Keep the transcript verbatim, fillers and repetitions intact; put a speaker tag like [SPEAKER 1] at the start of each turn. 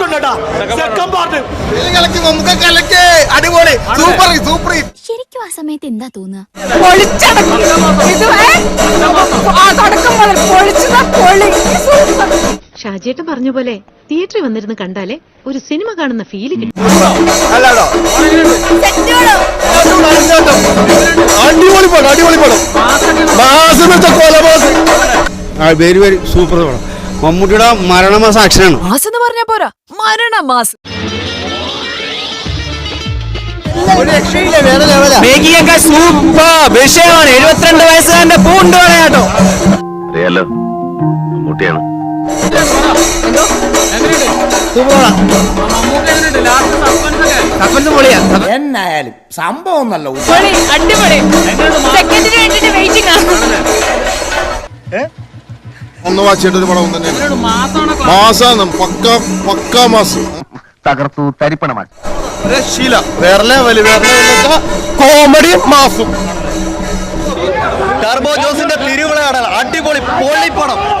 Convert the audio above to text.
[SPEAKER 1] അടിപൊളി super super.
[SPEAKER 2] ശരിക്കും ആ സമയത്ത് എന്താ തോന്നുക?
[SPEAKER 3] ഷാജിയേട്ടൻ പറഞ്ഞ പോലെ തിയേറ്ററിൽ വന്നിരുന്ന് കണ്ടാലേ ഒരു സിനിമ കാണുന്ന ഫീല് കിട്ടും.
[SPEAKER 1] അടിപൊളി പടം, അടിപൊളി പടം. വെരി വെരി സൂപ്പർ പടം. മമ്മൂട്ടിയുടെ മരണമാസം ആക്ഷനാണ്.
[SPEAKER 4] മാസ് എന്ന് പറഞ്ഞാ പോരാ, മരണമാസ്.
[SPEAKER 1] സൂപ്പർ വിഷയമാണ്. എഴുപത്തിരണ്ട് വയസ്സുകാരന്റെ പൂണ്ട് പറയാട്ടോ.
[SPEAKER 5] അറിയാലോ മമ്മൂട്ടിയാണ്.
[SPEAKER 6] എന്നായാലും സംഭവം നല്ല
[SPEAKER 4] അടിപൊളി. സെക്കൻഡിന് വേണ്ടിട്ട് വെയിറ്റിംഗ് ആണ്.
[SPEAKER 7] ഒന്ന് വാച്ചിട്ട് ഒരു പടം തന്നെ മാസാണ്. പക്ക പക്ക മാസം
[SPEAKER 5] തകർത്തു തരിപ്പണമാക്കി.
[SPEAKER 7] ശീല വേറെ ലെവല്, വേറെ കോമഡി മാസും.
[SPEAKER 1] ടർബോ ജോസിന്റെ തിരുവിള അടിപൊളി പൊള്ളിപ്പടം.